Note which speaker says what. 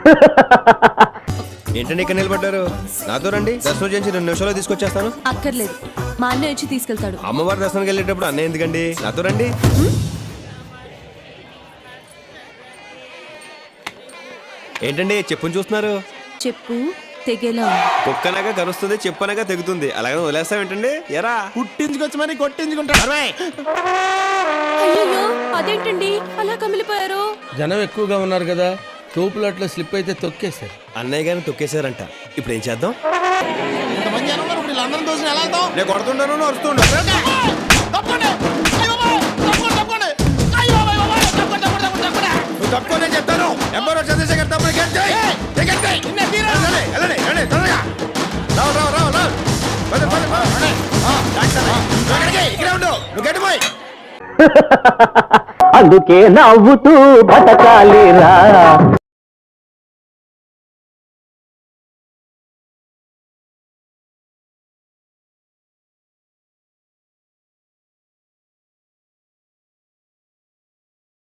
Speaker 1: ఏంటండి ఇక్కడ నిలబడ్డారు? నాతో రండి, దర్శనం చేసి 2 నిమిషాల్లో తీసుకొచ్చేస్తాను.
Speaker 2: అక్కర్లేదు, మా అన్నయ్య వచ్చి తీసుకెళ్తాడు.
Speaker 1: అమ్మవారి దర్శనానికి వెళ్ళేటప్పుడు అన్నయ్య ఎందుకండి? నాతో రండి. ఏంటండి చెప్పుని చూస్తున్నారు?
Speaker 2: చెప్పు తెగేలా ఉంది.
Speaker 1: కుక్కనగా కరుస్తుంది, చెప్పనగా తెగుతుంది. అలాగే వదిలేస్తాం ఏంటండి? ఎరా
Speaker 3: పుట్టించుకొచ్చి మరి కొట్టించుకుంటారు.
Speaker 2: అయ్యో అదేంటండి అలా కమిలిపోయారు?
Speaker 4: జనం ఎక్కువగా ఉన్నారు కదా, తోపులు అట్లా స్లిప్ అయితే తొక్కేశారు.
Speaker 1: అన్నయ్య గారిని తొక్కేశారంట. ఇప్పుడు ఏం చేద్దాం?
Speaker 3: ఇంతమంది జనం ఉన్నారు, ఇప్పుడు వీళ్ళందరం దోషం ఎలా వెళ్తాం?
Speaker 1: నేను కొడుతుంటాను, అరుస్తుంటా.
Speaker 3: తప్పండి. అయ్య బాబోయ్, తప్పండి, తప్పండి. అయ్య బాబోయ్, బాబోయ్, తప్పండి, తప్పండి, తప్పండి, తప్పండి.
Speaker 1: నువ్వు తక్కువ నేను చెప్తాను. ఎంబరో చంద్రశేఖర్ తప్పని
Speaker 3: నిన్నే తీరా.
Speaker 5: అందుకే నవ్వుతూ బతకాలిరా.